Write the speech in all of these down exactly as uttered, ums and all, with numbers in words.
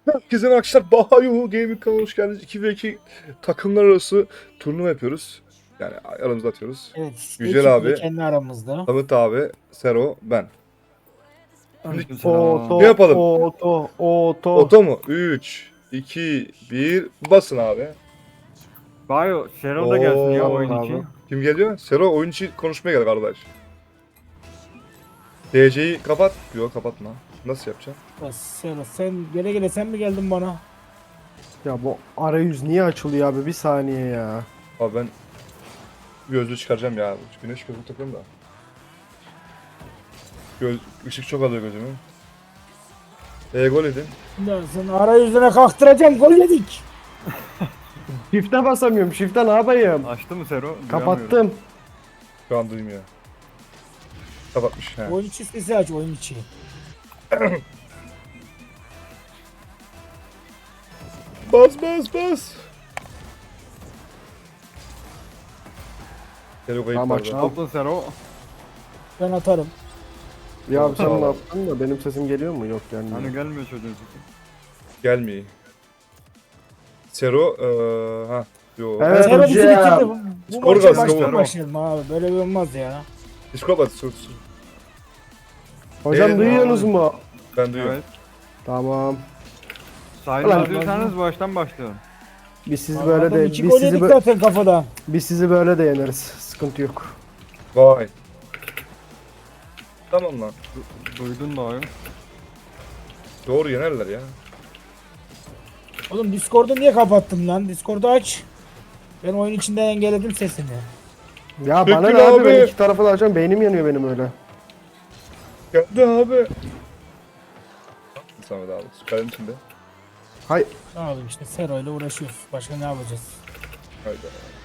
Herkese merhaba arkadaşlar. Bahayu Gaming kanalına hoş geldiniz. iki ve iki takımlar arası turnuva yapıyoruz. Yani aramızda atıyoruz. Evet, Yücel ekiple abi, kendi aramızda. Samet abi, Sero, ben. Şimdi Oto, ne yapalım? oto, oto. Oto mu? üç, iki, bir, basın abi. Bayo, Serol da gelsin ya Oo, oyun abi. için. Kim geliyor? Sero oyun için konuşmaya gel kardeş. D C'yi kapat. Yok kapatma. Nasıl yapacağım? Ya Sen, sen gele gele sen mi geldin bana? Ya bu arayüz niye açılıyor abi? Bir saniye ya. Abi ben gözlüğü çıkaracağım ya. Güneş gözlüğü takıyorum da. Göz, ışık çok alıyor gözümü. E gol edin. Ya sen arayüzüne kalktıracağım, gol yedik. Shift'e basamıyorum. Shift'e ne yapayım? Açtı mı Sero? Duyamıyorum. Kapattım. Şu an duymuyor. Kapatmış. He. Oyun içi sesi aç, oyun içi. Bas bas bas. Sero kayıp Tamam, vardı. aç. Ne yaptın Sero? Ben atarım. Ya abi sen Tamam. ne yaptın da benim sesim geliyor mu? Yok yani. Hani gelmiyor çocuğun sesi. Gelmiyor. Sero eee ha yo. Evet. Sen bizi hocam. bitirdi. Bu, bu Skor maça gazı, baştan skor. başlayalım abi. Böyle bir olmaz ya. Discord at sus. sus. Hocam Evet, duyuyorsunuz mu? Ben duyuyorum. Evet. Tamam. Sayın Ulan- yazıyorsanız baştan başlayalım. Biz sizi Adam böyle de iki biz gol sizi yedik bö- zaten kafadan. biz sizi böyle de yeneriz. Sıkıntı yok. Vay. Tamam lan. Du- duydun da oyun. Doğru yenerler ya. Oğlum Discord'u niye kapattın lan? Discord'u aç. Ben oyun içinden engelledim sesini. Ya Peki bana ne abi? abi. Ben iki tarafı da açacağım. Beynim yanıyor benim öyle. Geldi abi. Samet abi. Süperin içinde. Hay. Ne yapayım işte Sero ile uğraşıyoruz. Başka ne yapacağız? Haydi.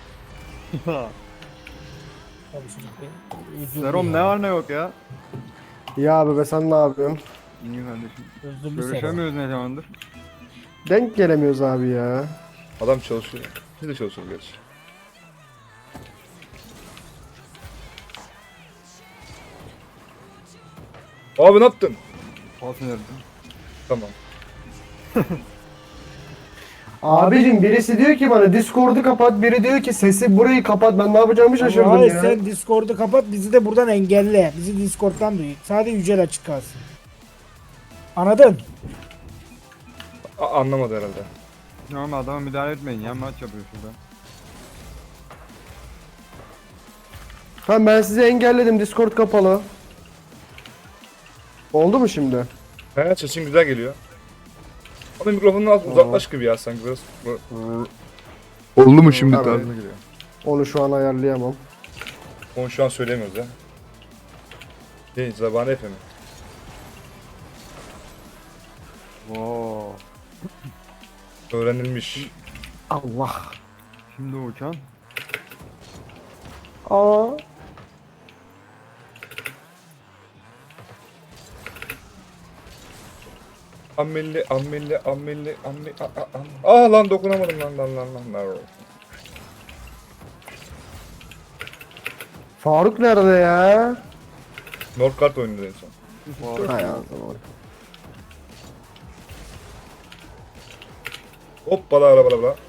Tabii çocuk bir üzüldü Serom ya. ne var ne yok ya. Ya abi be sen ne yapıyorsun? İyi kardeşim. Üzüldü Sero. Görüşemiyoruz ne zamandır. Denk gelemiyoruz abi ya. Adam çalışıyor. Biz de çalışıyoruz gerçi. Abi ne yaptın? Pas verdim. Tamam. Abicim birisi diyor ki bana Discord'u kapat, biri diyor ki sesi burayı kapat. Ben ne yapacağımı şaşırdım Hayır ya. sen Discord'u kapat, bizi de buradan engelle. Bizi Discord'dan duy. Sadece Yücel açık kalsın. Anladın? A- anlamadı herhalde. Ama adama müdahale etmeyin ya, maç yapıyor şurada. Tamam ben sizi engelledim. Discord kapalı. Oldu mu şimdi? He sesin güzel geliyor. Ama mikrofonun az uzaklaş gibi ya sanki biraz. Oldu mu şimdi Tamam. tarzına geliyor. Onu şu an ayarlayamam. Onu şu an söyleyemiyoruz ya. Şey, Zabane Efe mi? Wow. Öğrenilmiş. Allah. Şimdi uçan. Aa. Amelli, amelli, amelli, amelli, a, a, a. Aa lan dokunamadım lan lan lan lan. lan. Faruk nerede ya? Northgard oynadı en son. Wow. Hay Allah. Hoppala ara bala bala.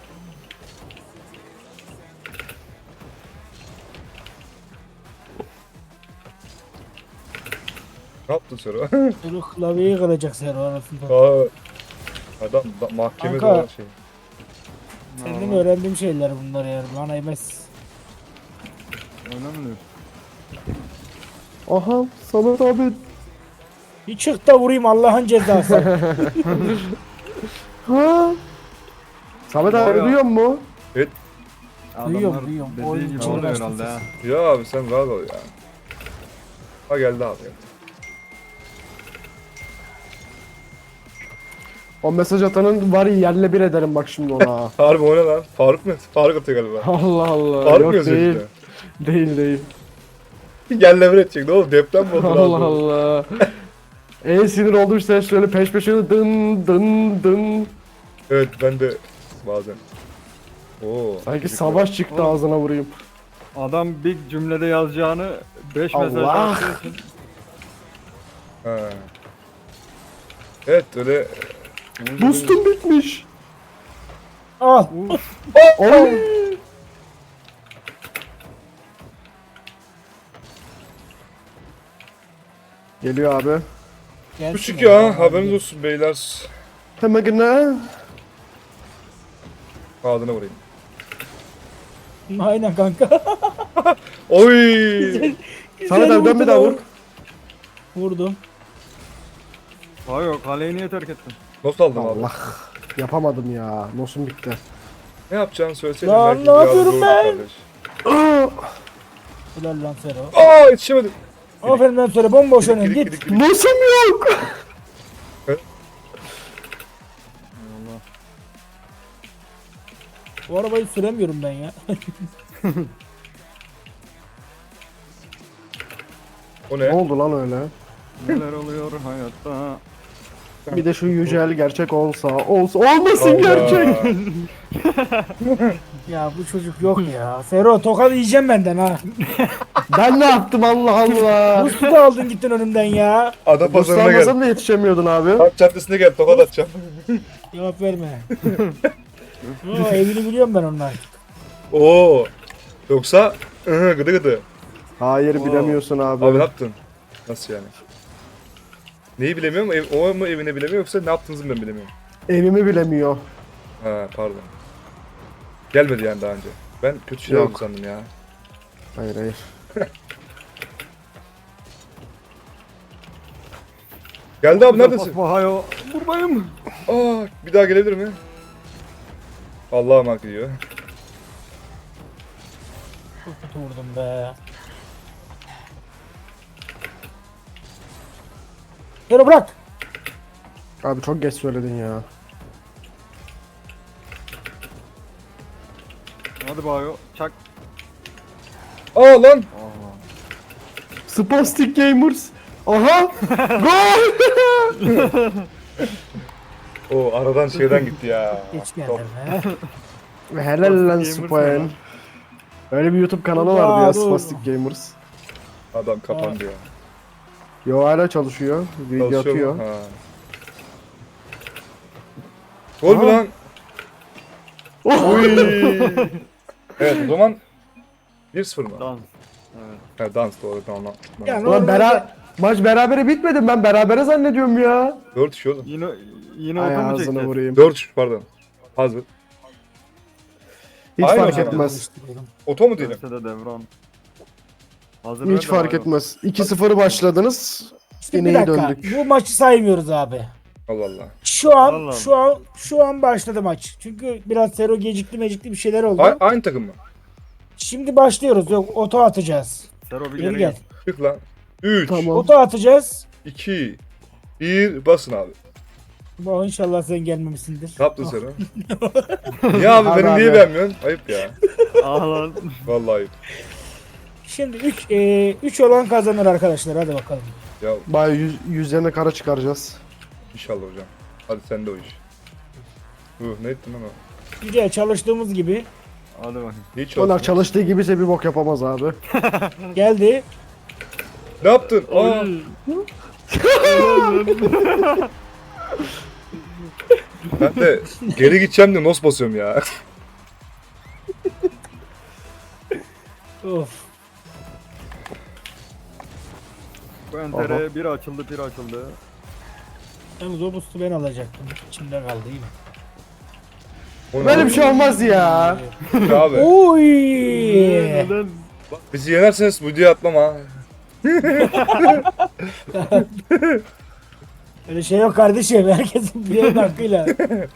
Ne yaptın Sero? Sero klavyeyi kıracak Sero arasında. Aa, adam da, mahkemede Kanka. olan şey. Senin öğrendiğim şeyler bunlar yani. Bana yemez. Öyle mi diyorsun? Aha Samet abi. Bir çık da vurayım Allah'ın cezası. Ha. Samet abi Bayağı. duyuyor mu? Duyuyorum, Adamlar duyuyorum. dediği Oyun gibi için oluyor uğraştım herhalde ha. Ya abi sen rahat ol ya. Ha geldi abi. O mesaj atanın var ya yerle bir ederim bak şimdi ona. Harbi o ne lan? Faruk mu? Faruk atıyor galiba. Allah Allah. Faruk mu Yok yazıyor değil. işte? Değil değil. Gel lever edecek ne oğlum deprem mi oldu? Allah lan? Allah. En sinir olduğum şey şöyle peş peşe dın dın dın. Evet ben de bazen. Oo. Sanki çocuk savaş çıktı Oğlum. ağzına vurayım. Adam bir cümlede yazacağını beş mesaj Allah. attığı için Ha. Evet öyle Boostum bitmiş. Al. Oy. Geliyor abi. Gelsin Küçük ya ya. haberiniz olsun beyler. Hemen gene. Ağzına vurayım. Aynen kanka. Oy! Samet abi dön bir daha vur. Vurdum. Hayır kaleyi niye terk ettin? Nasıl aldım abi? Allah. Yapamadım ya. Nosum bitti. Ne yapacağını söyleseydin Lan belki ne biraz yapıyorum zordu ben? kardeş. Aa, Helal lan Sero. Aa yetişemedim. Aferin lan Sero. Bomboş önün Gidik git. gidik gidik. Nosum yok. Allah. Bu arabayı süremiyorum ben ya. O Ne ne? oldu lan öyle? Neler oluyor hayatta? Bir de şu yücel gerçek olsa, olsa olmasın Allah. gerçek. Ya bu çocuk yok ya. Sero tokat yiyeceğim benden ha. Ben ne yaptım Allah Allah. Buz da aldın gittin önümden ya. Ada pazarına gel. Buslanmasam da yetişemiyordun abi. Park caddesine gel tokat atacağım. Cevap verme. Oo, evini biliyorum ben onlar. Oo. Yoksa ıhı, gıdı gıdı. Hayır Oo. bilemiyorsun abi. Abi ne yaptın? Nasıl yani? Neyi bilemiyorum? Ev, o mu evine bilemiyor yoksa ne yaptığınızı ben bilemiyorum. Evimi bilemiyor. Ha pardon. Gelmedi yani daha önce. Ben kötü şeyler Yok. oldu sandım ya. Hayır hayır. Geldi abi neredesin? Hayo. Buradayım. Aa bir daha gelebilir mi? Allah'ım hak ediyor. Çok kötü vurdum be. Sero bırak. Abi çok geç söyledin ya. Hadi Bayo. Çak. Aa lan! Aa. Spastic Gamers. Aha! Gol! O aradan şeyden gitti ya. Geç Top. geldim be. Helal lan Spastic Gamers Spain. ne lan? Öyle bir YouTube kanalı Ya, vardı ya dur. Spastic Gamers. Adam kapandı ya. Yo hala çalışıyor. Video Çalışıyor atıyor. mu? Ha. Gol mü Aha. lan? Oy! Evet o zaman bir sıfır mı? Dans. Evet. Ha, dans doğru tamam. Ya, tamam. ne- Ulan Normalde- bera maç berabere bitmedi. Ben berabere zannediyorum ya. dört üç oğlum. Yine yine Ay oto mu ağzına çekeceğiz? vurayım. dört üç pardon. Hazır. Hiç Aynen fark abi. etmez. Oto mu diyelim? Dönse de devran. Hazır ver Hiç de fark Bayo. etmez. iki sıfır başladınız. İşte Yine bir iyi dakika. döndük. Bu maçı saymıyoruz abi. Allah Allah. Şu an Allah şu an şu an başladı maç. Çünkü biraz Sero gecikti mecikti bir şeyler oldu. A- aynı takım mı? Şimdi başlıyoruz. Yok oto atacağız. Sero bir Geri geri gel. gel. Çık lan. üç, Tamam. Oto atacağız. iki, bir basın abi. Bu inşallah sen gelmemişsindir. Ne yaptın sen o? Niye abi Abi, beni niye abi. beğenmiyorsun? Ayıp ya. Ah lan. Vallahi ayıp. Şimdi üç olan kazanır arkadaşlar. Hadi bakalım. Ya Bayağı yüz, yüzlerine kara çıkaracağız. inşallah hocam. Hadi sen de o iş. Uh, ne ettin lan o? Güzel çalıştığımız gibi Hadi bakayım. Hiç Onlar olsun. çalıştığı gibiyse bir bok yapamaz abi. geldi. Ne yaptın? Aa, ben de geri gideceğim de nos basıyorum ya. Of. Bu entere bir açıldı bir açıldı. Yalnız o boost'u ben alacaktım. İçimde kaldı iyi mi? O ne Böyle abi? bir şey olmaz ya. Abi. Oy! Neden? Bizi yenerseniz bu videoya atmam ha. Öyle şey yok kardeşim. Herkesin bir hakkıyla.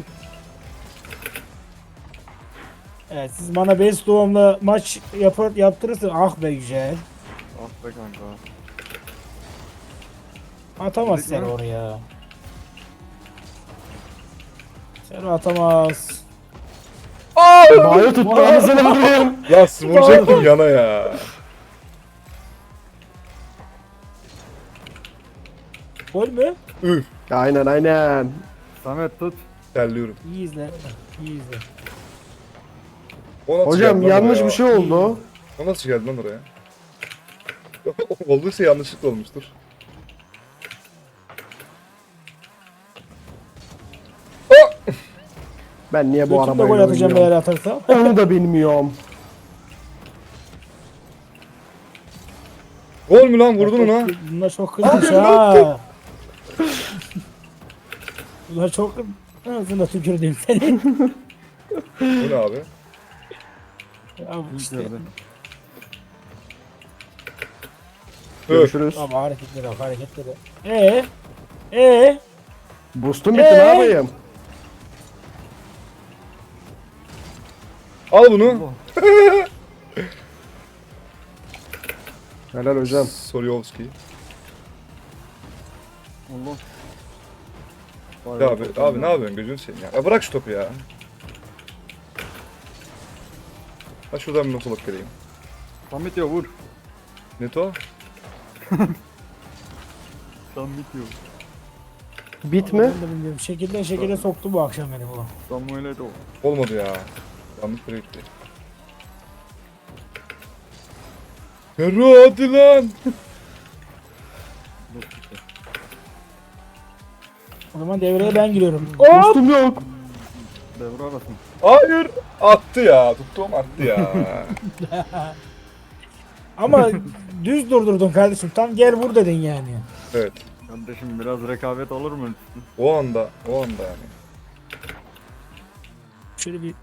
Evet siz bana best doğumla maç yapar, yaptırırsın. Ah be güzel. Ah be kanka. Atamaz Dedik sen mi? oraya. Sen atamaz. Bayo tuttu anasını vurayım. Ya vuracaktım yana ya. Gol mü? Üf. Aynen aynen. Samet tut. Terliyorum. İyi izle. İyi izle. O nasıl Hocam geldi lan yanlış oraya? bir şey oldu. O nasıl geldi lan oraya? Olduysa yanlışlıkla olmuştur. Ben niye bu Götümle arabayla gol atacağım eğer oynuyorum? atarsam. Onu da bilmiyorum. Gol mü lan vurdun ona? Bunlar çok kızmış ha. Bunlar çok ağzına tükürdüm seni. Bu ne abi? Ya işte. İçeride. Görüşürüz. Ama hareketleri bak hareketleri. Eee? Eee? Boostum bitti Ee? ne yapayım? Al bunu. Allah. Helal hocam. Soryovski. Allah. Ya abi, abi ne yapıyorsun gözünü seveyim ya. Ya bırak şu topu ya. Ha şuradan bir not alıp geleyim. Tam bitiyor vur. Neto? Tam bitiyor. Bit mi? Ben de bilmiyorum. Şekilden şekile soktu bu akşam beni bu. Samuel Eto'o. Olmadı ya. Yanlış yere gitti. Ferro hadi lan. O zaman devreye ben giriyorum. Hop! Boostum yok. Devre arasın. Hayır. Attı ya. Tuttuğum attı ya. Ama düz durdurdun kardeşim. Tam gel vur dedin yani. Evet. Kardeşim biraz rekabet olur mu? O anda. O anda yani. Şöyle bir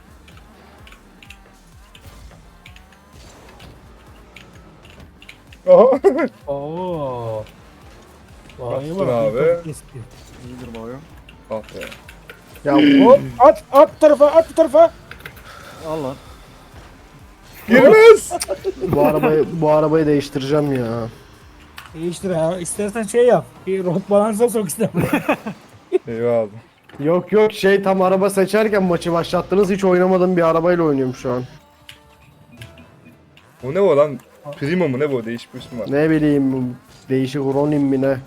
Aha. Oo. Vay Baktın bak, abi. bir espri. İyidir bayo. Ah be. Ya Hop at at bu tarafa at bu tarafa. Al lan. Girmez. bu arabayı bu arabayı değiştireceğim ya. Değiştir ha. İstersen şey yap. Bir rot balansa sok istersen. Eyvallah. Yok yok şey tam araba seçerken maçı başlattınız hiç oynamadığım bir arabayla oynuyorum şu an. Bu ne o lan? Primo mu ne bu? Değişik bir ismi var. Ne bileyim değişik Ronin mi ne?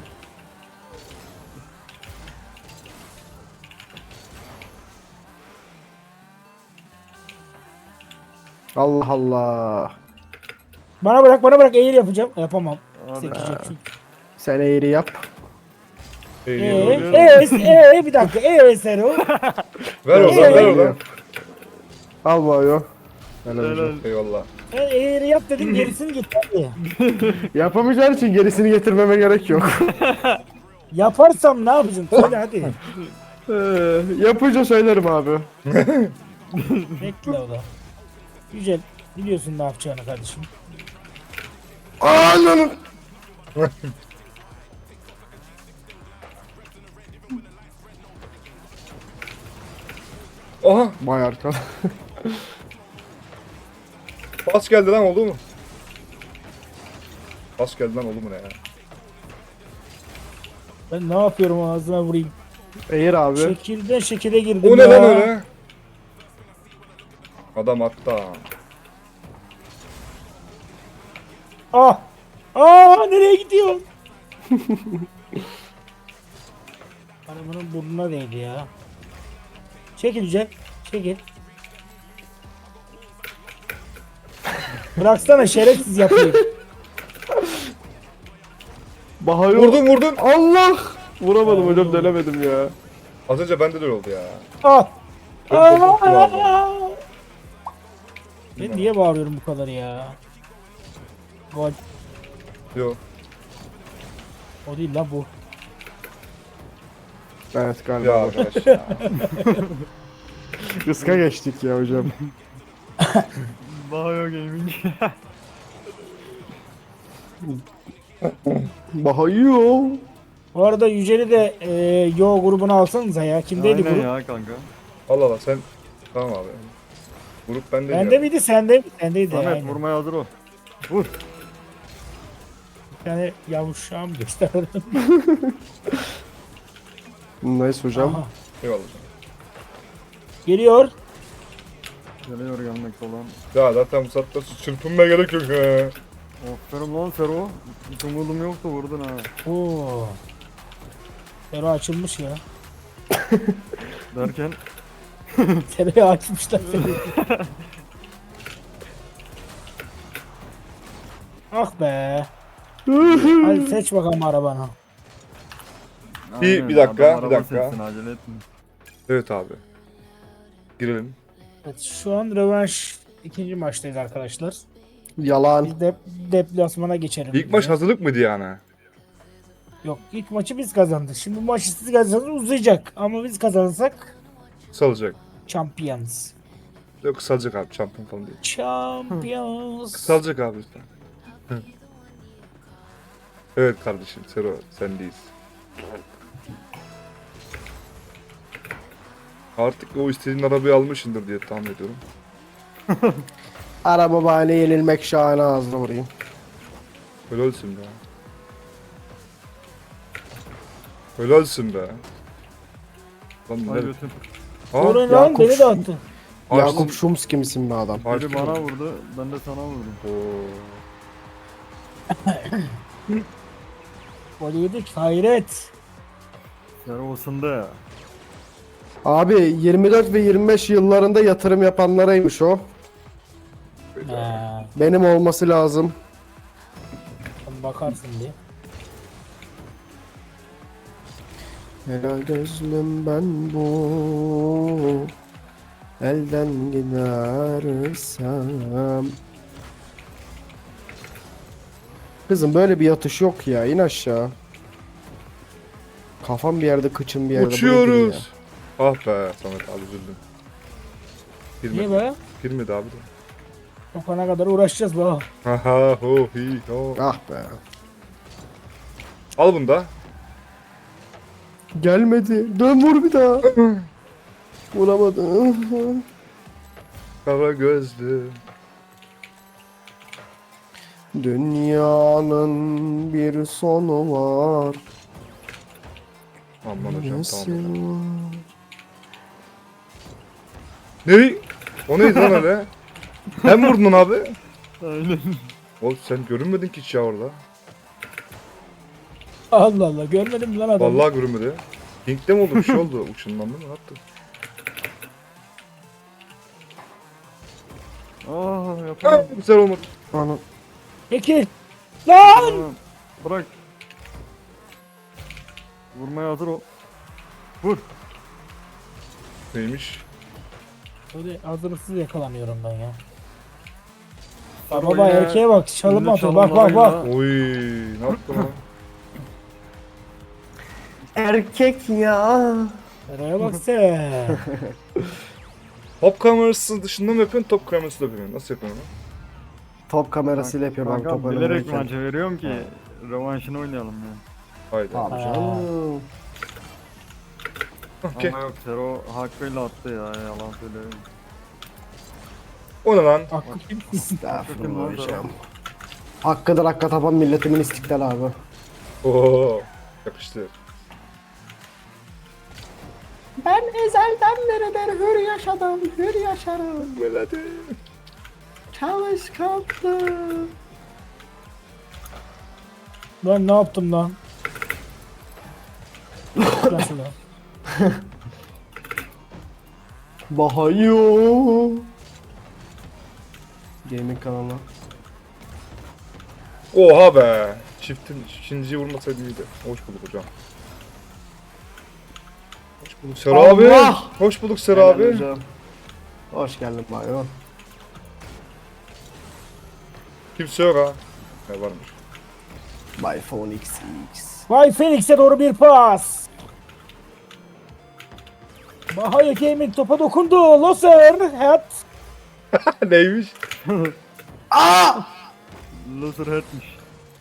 Allah Allah. Bana bırak bana bırak eğil yapacağım. Yapamam. Hadi. Sekecek çünkü. Sen eğri yap. Eee Eğiliyor. eee eee bir dakika eee Sero. Ver oradan ver Eee. oradan. Al bayo. Helal hocam. Helal. Eyvallah. Sen eğri yap dedim gerisini git hadi. Yapamayacağın için gerisini getirmeme gerek yok. Yaparsam ne yapacağım? Söyle hadi. Ee, yapınca söylerim abi. Bekle o da. Güzel. Biliyorsun ne yapacağını kardeşim. Ananı. Aha. Vay arka. Pas geldi lan oldu mu? Pas geldi lan oldu mu ne ya? Ben ne yapıyorum ağzına vurayım. Eğir abi. Şekilden şekile girdim O ne ya. lan öyle? Adam attı ha. Ah! Aa nereye gidiyorsun? Arabanın burnuna değdi ya. Çekil Yücel. Çekil. Bıraksana şerefsiz yapayım. Bahayo. Vurdun vurdun. Allah. Vuramadım hocam dönemedim ya. Az önce bende de öyle oldu ya. Ah! Çok korktum abi. Aa! Ben niye bağırıyorum bu kadar ya? Gol. Yo. O değil lan bu. Evet galiba. Ya arkadaş ya. Kıska geçtik ya hocam. Bayo Gaming. Bahayo. Bu arada Yücel'i de e, Yo grubuna alsanıza ya. Kimdeydi Aynen grup? ya kanka. Allah Allah sen. Tamam abi. Grup bende Bende miydi sende? Sendeydi Samet yani. vurmaya hazır ol. Vur. Bir tane yavuşağım gösterdim. Nice hocam. Aha. Eyvallah. Geliyor. Geliyor gelmekte olan. Ya zaten bu saatte çırpınmaya gerek yok ha. Aferin lan Sero. Hiç umudum yoktu vurdun ha. Oo. Sero açılmış ya. Derken Sero'yu açmışlar. Ah be. Hadi seç bakalım arabanı. Bir- Aynen, bir dakika, adam bir araba dakika. seçsin, acele etme. Evet abi. Girelim. Evet, şu an rövanş ikinci maçtayız arkadaşlar. Yalan. Biz de deplasmana geçelim. İlk maç hazırlık mıydı yani? Yok, ilk maçı biz kazandık. Şimdi bu maçı siz kazanırsanız uzayacak. Ama biz kazanırsak Kısalacak. champions. Yok kısalacak abi. Şampiyon falan değil. Champions. Kısalacak abi lütfen. Hı. Evet kardeşim. Sero sendeyiz. Artık o istediğin arabayı almışsındır diye tahmin ediyorum. Araba bahane yenilmek şahane ağzına vurayım. Öyle olsun be. Öyle olsun be. Lan Ay ne? götüm. Ha? Orhan lan Yakup- beni de attı. Yakup Şumski misin be adam? Biri bana vurdu, ben de sana vurdum. Oo. Gol yedik. Hayret. Sero ısındı ya. Abi yirmi dört ve yirmi beş yıllarında yatırım yapanlaraymış o. Ha, Benim olması lazım. sen bakarsın diye. Helal gözlüm ben bu. Elden gidersem. Kızım böyle bir yatış yok ya. İn aşağı. Kafam bir yerde, kıçım bir yerde. Bu nedir ya? Uçuyoruz. Ah be Samet abi üzüldüm. Niye Girmedi. be? Girmedi abi de. Sokana kadar uğraşacağız be. Haha ho hi ho. Ah be. Al bunu da. Gelmedi. Dön vur bir daha. Vuramadı. Kara gözlü. Dünyanın bir sonu var. Aman hocam Nesi tamam. var? Ne? O neydi lan öyle? Sen vurdun onu abi. Aynen. Oğlum sen görünmedin ki hiç ya orada. Allah Allah, görmedim lan adamı. Vallahi görünmedi. Pink'te mi oldu bir şey oldu? Uçunlandı mı? Ne yaptı? Aa Ah, yapamam. güzel olmadı. Ana. Peki. Lan! Tamam. Bırak. Vurmaya hazır ol. Vur. Neymiş? Böyle hazırsız yakalanıyorum ben ya. Sero Baba yine erkeğe bak, çalım ünlü atıyor. Bak bak bak. çalımlarıyla- Oy, ne yaptı lan? Erkek ya. Nereye bak sen. Top kamerası dışında mı yapıyorsun, top kamerası da yapıyorsun? Nasıl yapıyorsun lan? Top kamerasıyla yapıyorum ben Kankam top bilerek oynarken. maça veriyorum ki rövanşını oynayalım ya. Haydi. Abi canım. Okey. Ama yok Sero hakkıyla attı ya yalan söylüyorum. O ne lan? Hakkı kim? Estağfurullah hocam. Hakkıdır hakka tapan milletimin istiklal abi. Oo, yakıştı. Ben ezelden beridir hür yaşadım, hür yaşarım. Melodi. Çalışkanlı. Lan ne yaptım lan? Nasıl lan? Bahayo. Gaming kanalı. Oha be. Çiftin ikinciyi vurmasaydı iyiydi. Hoş bulduk hocam. Hoş bulduk Sera abi. Allah! Hoş bulduk Sera Helal abi. hocam. Hoş geldin Bayo. Kimse yok ha. Ne varmış? By Phone X X. Vay Phoenix'e doğru bir pas. Bahaya Gaming topa dokundu. Loser. Hat. Neymiş? Loser hatmiş.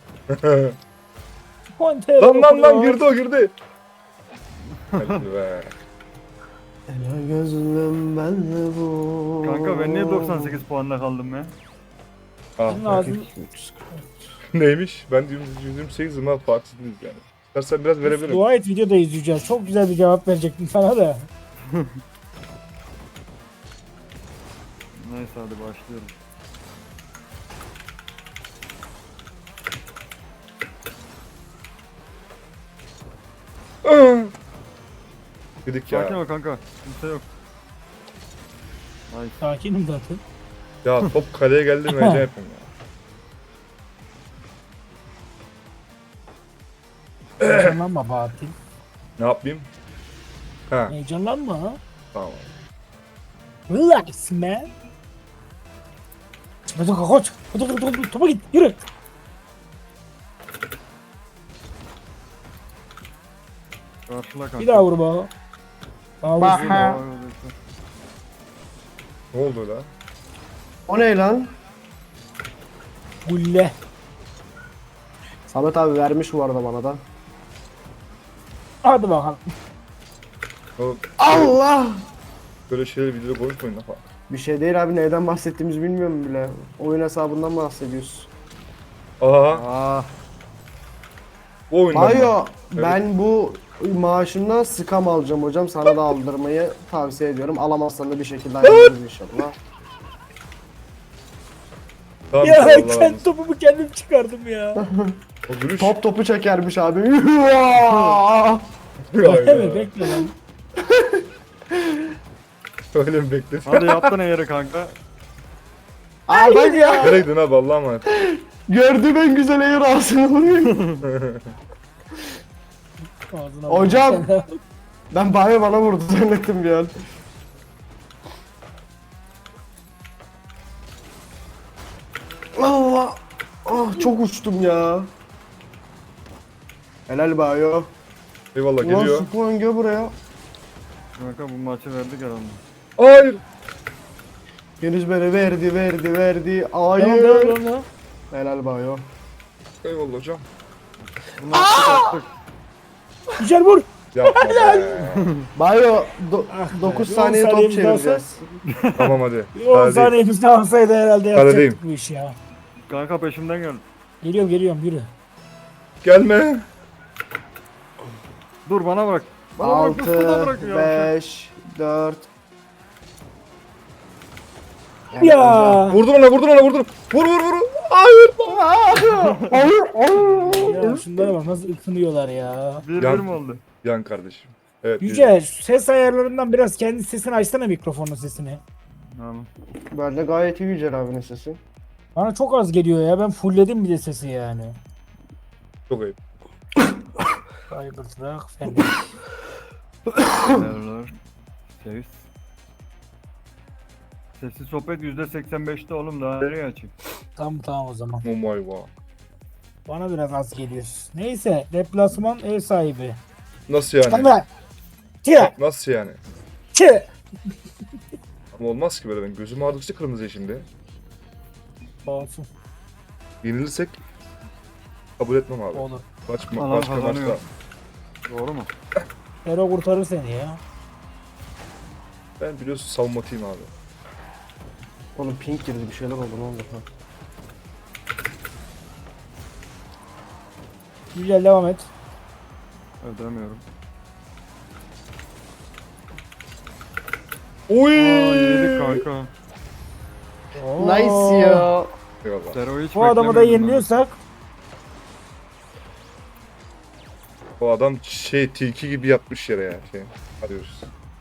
Pointer. Lan lan lan dokunuyor. girdi o girdi. Hadi be. Ela gözlüm ben de bu. Kanka ben niye doksan sekiz puanla kaldım ya? Ah, Senin ağzın- neymiş? Ben yüz yirmi sekizim ha, farksız değiliz yani. İstersen biraz verebilirim. Dua et, videoda izleyeceğiz. Çok güzel bir cevap verecektim sana da. Neyse hadi başlıyorum. Dedik Sakin ya. ol kanka. Kimse yok. Nice. Sakinim zaten. Ya top kaleye geldi mi heyecan yapıyorum ya. Heyecanlanma Bahattin. Ne yapayım? Ha Heyecanlanma ha. tamam. Relax man. Hadi koç. Hadi hadi hadi topa git yürü. Karşıla kanka. Bir daha vur bana. Daha Bak. vursun. Ha. Ne oldu lan? O ne lan? Gulle. Samet abi vermiş bu arada bana da. Hadi bakalım. Oğlum, Allah! böyle şeyleri videoda konuşmayın lan. Bir şey değil abi, neyden bahsettiğimizi bilmiyorum bile. Oyun hesabından bahsediyoruz. Aha. Aa. Bu oyundan mı? Mayo, Evet. ben bu maaşımdan skam alacağım hocam. Sana da aldırmayı tavsiye ediyorum. Alamazsan da bir şekilde ayarlarız inşallah. Tamam, Ya Allah razı kendi olsun. topumu kendim çıkardım ya. O gülüş. Top topu çekermiş abi. Öyle mi? Bekle lan. Öyle mi bekledin? Hadi yaptın yeri kanka. Aa bak ya. Nereye gittin abi Allah'a emanet. Gördüğüm en güzel air ağzını vuruyor. Ağzına Hocam. vur. Ben Bayo bana vurdu zannettim bir an. Allah. Ah çok uçtum ya. Helal Bayo. Eyvallah Ulan geliyor. Spawn gel buraya. Kanka bu maçı verdik herhalde. Hayır. Deniz beni verdi verdi verdi. Tamam Hayır. tamam tamam. Helal Bayo. Eyvallah hocam. Bu maçı yaptık. Güzel vur. Yapma be. Bayo do- Ah be, dokuz bir saniye on top saniyemiz daha çevireceğiz. Tamam hadi. Bir on Hadi. saniyemiz daha olsaydı herhalde Kaledeyim. yapacaktık bu işi ya. Kanka peşimden gel. Geliyorum geliyorum yürü. Gelme. Dur bana bırak. Bana bırak. Bu suda altı, bırak ya. beş, dört. Ya. Vurdum ona vurdum ona vurdum. Vur vur vur. Hayır. Ya şunlara bak nasıl ısınıyorlar ya. Bir Yan- bir mi oldu? Yan kardeşim. Evet. Yüce ses ayarlarından biraz kendi sesini açsana mikrofonun sesini. Tamam. Ben de gayet iyi Yücel abinin sesi. Bana çok az geliyor ya ben fullledim bir de sesi yani. Çok ayıp. Kaybırtırak sen. Merhabalar. Seviz. Sessiz sohbet yüzde seksen beşte oğlum, daha nereye açayım? Tamam tamam o zaman. Oh my god. Bana biraz az geliyor. Neyse deplasman ev sahibi. Nasıl yani? Tamam. Tire. Nasıl yani? Tire. Ama olmaz ki böyle, ben gözüm ağrıdıkça kırmızı şimdi. Olsun. Yenilirsek kabul etmem abi. Olur. Baş, Adam başka kazanıyor. maçta. Doğru mu? Hero kurtarır seni ya. Ben biliyorsun savunmatıyım abi. Oğlum pink girdi, bir şeyler oldu, ne oldu? Ha. Güzel devam et. Ödemiyorum. Oy! Aa yedik kanka. Oo. Nice ya. Eyvallah. Zero hiç Bu adamı da beklemiyordum yeniliyorsak O adam şey tilki gibi yatmış yere ya. Şey, arıyoruz.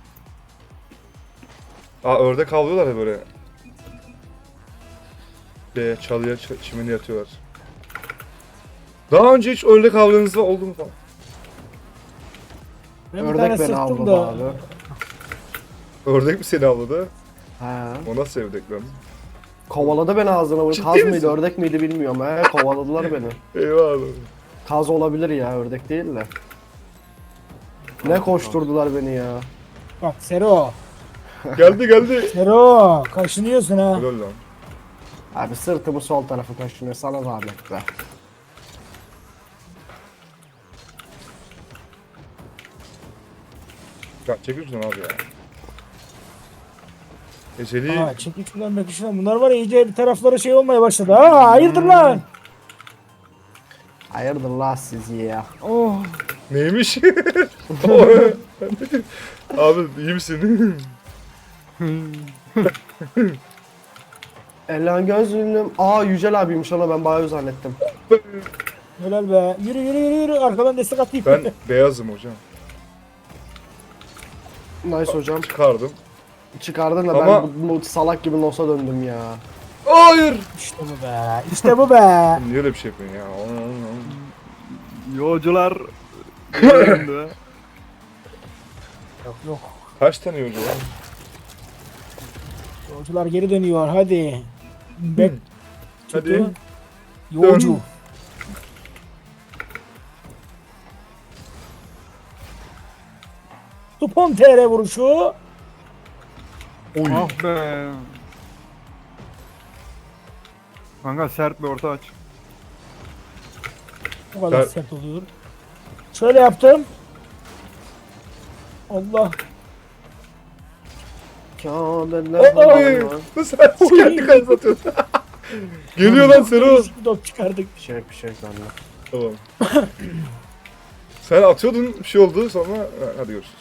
Aa ördek avlıyorlar ya böyle. Şeye, çalıya, ç- çimene yatıyorlar. Daha önce hiç ördek avlarınızda oldu mu falan? ben bir tane Ördek beni sıktım avladı da. abi. Ördek mi seni avladı? He. O nasıl ördek lan? Kovaladı beni ağzına vurdu. Ciddi Kaz misin? mıydı, ördek miydi bilmiyorum. He, kovaladılar beni. Eyvallah. Kaz olabilir ya, ördek değil de. Ne koşturdular beni ya. Bak Sero. Geldi geldi. Sero. Kaşınıyorsun ha. Helal lan. Abi sırtımı sol tarafı kaşınıyor, sana zahmet be. Ya çekil şunu abi ya. Eceli. Aa çekil şuradan bak şuradan. Bunlar var ya iyice bir taraflara şey olmaya başladı. Aa hayırdır lan. Hayırdır la siz ya. Oh. Neymiş? Abi iyi misin? Elan gözlüğüm. Aa Yücel abiymiş, ona ben bayağı zannettim. Helal be. Yürü yürü yürü yürü. Arkadan destek atayım. Ben beyazım hocam. Nice hocam. Çıkardım. Çıkardın da Ama- ben bu, bu salak gibi nosa döndüm ya. Hayır. İşte bu be. İşte bu be. Niye öyle bir şey yapıyorsun ya? Yolcular. Yerinde. Yok yok. Kaç tane yolcu var? Yolcular geri dönüyor hadi. Bek Hadi. tutu. Yolcu. Dön. Tupon T R vuruşu. Oy. Ah be. Kanka sert bir orta aç. Bu kadar Ser- sert oluyor. Şöyle yaptım. Allah. Kabeller Oy. var. Nasıl sen kendi kalesi atıyorsun? Geliyor lan Sero. Değişik bir top çıkardık. Bir şey bir şey anla. Tamam. Sen atıyordun bir şey oldu sonra ha, hadi görüşürüz.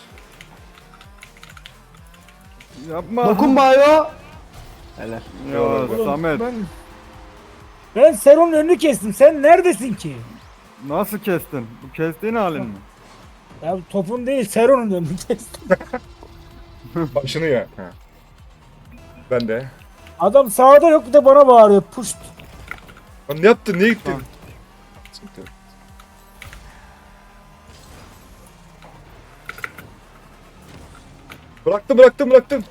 Yapma. Dokunmayo. Helal. Ya Oğlum, Samet. Ben, ben Sero'nun önünü kestim. Sen neredesin ki? Nasıl kestin? Bu kestiğin halin mi? Ya topun değil Sero'nun önünü kestim. Başını ya. Ha. Ben de. Adam sağda yok bir de bana bağırıyor. Puşt. Lan ne yaptın? Niye gittin? Tamam. Sıkıntı yok. Bıraktım bıraktım bıraktım.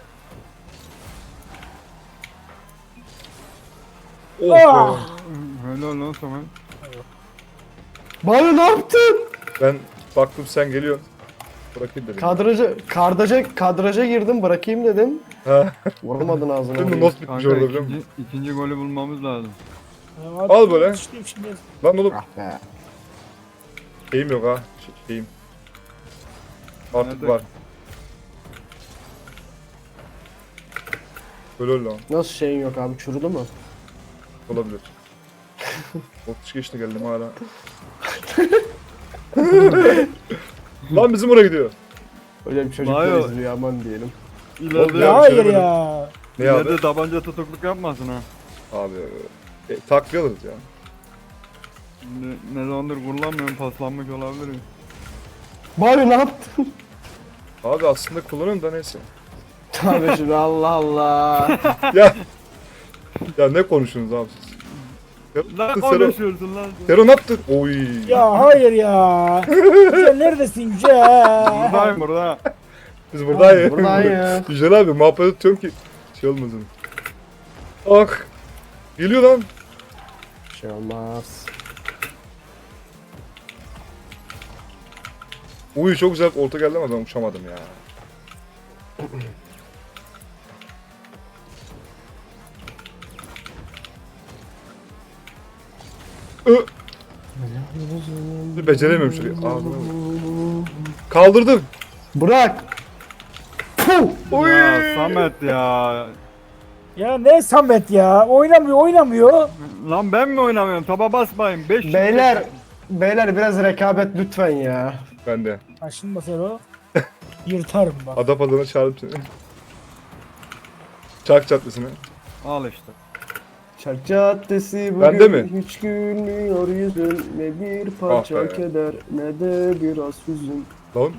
Oh Ah! be. Helal lan Samet. Bayo ne yaptın? Ben baktım sen geliyorsun. Bırakayım dedim. Kadraja, kardaja, kadraja girdim bırakayım dedim. Ha. Vuramadın ağzına. Şimdi vurayım. not bitmiş Kanka orada biliyor musun? ikinci, ikinci golü bulmamız lazım. Al böyle. Yetiştim şimdi. Lan oğlum Ah be. şeyim yok ha. Şey- Şeyim. Artık Nerede? var. Böyle öyle lan. Nasıl şeyin yok abi çürüdü mü? Olabilir. otuz geçti geldim hala. Lan bizim oraya gidiyor. Öyle bir çocuk Bayo. da izliyor aman diyelim. İleride, Ya, Ya bir hayır şey demedim. ya. Ne abi? ileride tabanca tutukluk yapmasın ha. Abi e, takviye alırız ya. Ne, ne zamandır kullanmıyorum, paslanmış olabilir. Bayo ne yaptın? Abi aslında kullanıyorum da neyse. Tabii şimdi Allah Allah. ya ya ne konuşuyorsunuz abi siz? Lan Sero, konuşuyorsun lan. Sero ne yaptın? Oy. Ya hayır ya. Yücel neredesin Yücel? Buradayım burada. Biz buradayız. Buradayım. Güzel abi muhabbet tutuyorum ki şey olmasın. Ah. Geliyor lan. Bir şey olmaz. Uy çok güzel orta geldi ama ben uçamadım ya. Ö. Beceremiyorum şurayı. Ağzına vur. Kaldırdım. Bırak. Puh! Oy. Ya Samet ya. Ya ne Samet ya? Oynamıyor oynamıyor. Lan ben mi oynamıyorum? Taba basmayın. beş Beyler. Beyler biraz rekabet lütfen ya. Ben de. Aşınma Sero. Yırtarım bak. Adapada'na çağırıp seni. Çark çatlasını. Al işte. Çark caddesi bugün Bende mi? hiç gülmüyor yüzün. Ne bir parça Ah be. keder ne de biraz hüzün. Lan.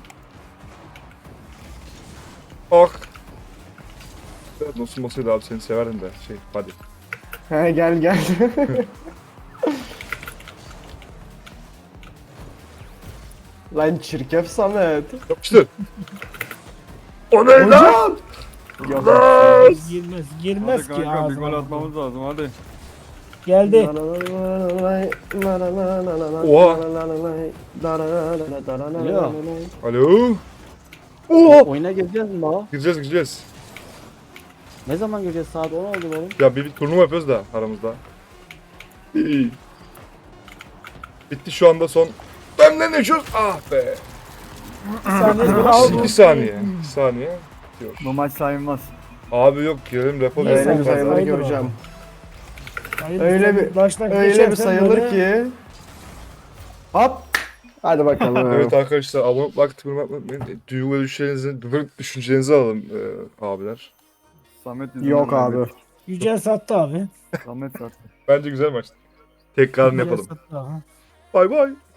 Ah. Evet, dostum olsaydı abi seni severdim de şey hadi. He gel gel. Lan çirkef Samet. Yapıştır. O ne lan? Hocam. Yok. Girmez girmez Hadi ki kanka bir ağzına. gol atmamız lazım hadi. Geldi. Oha. Alo. Alo. Oo. Oyuna gireceğiz mi baba? Gireceğiz gireceğiz. Ne zaman gireceğiz? Saat on oldu oğlum. Ya bir, bir turnuva yapıyoruz da aramızda. İyi. Bitti şu anda son. Benden ne yaşıyoruz? Ah be. Bir saniye bir al. iki saniye. iki saniye. Diyor. Bu maç sayılmaz. Abi yok girelim rapor Neyse, Öyle bir yapalım. sayılır. sayılır ki Sayılır hocam. Hayır, Öyle sen bir- baştan Öyle bir geçersen sayılır böyle- ki. Hop. Hadi bakalım. Evet arkadaşlar abone olmayı, like tıklamayı unutmayın. Duygu ve düşüncelerinizi, düşüncelerinizi alalım e, abiler. Samet yüzünden Yok abi. kaybettik. Yücel sattı abi. Samet sattı. Bence güzel maçtı. Tekrarını Yücel yapalım. sattı, aha. Bay bay.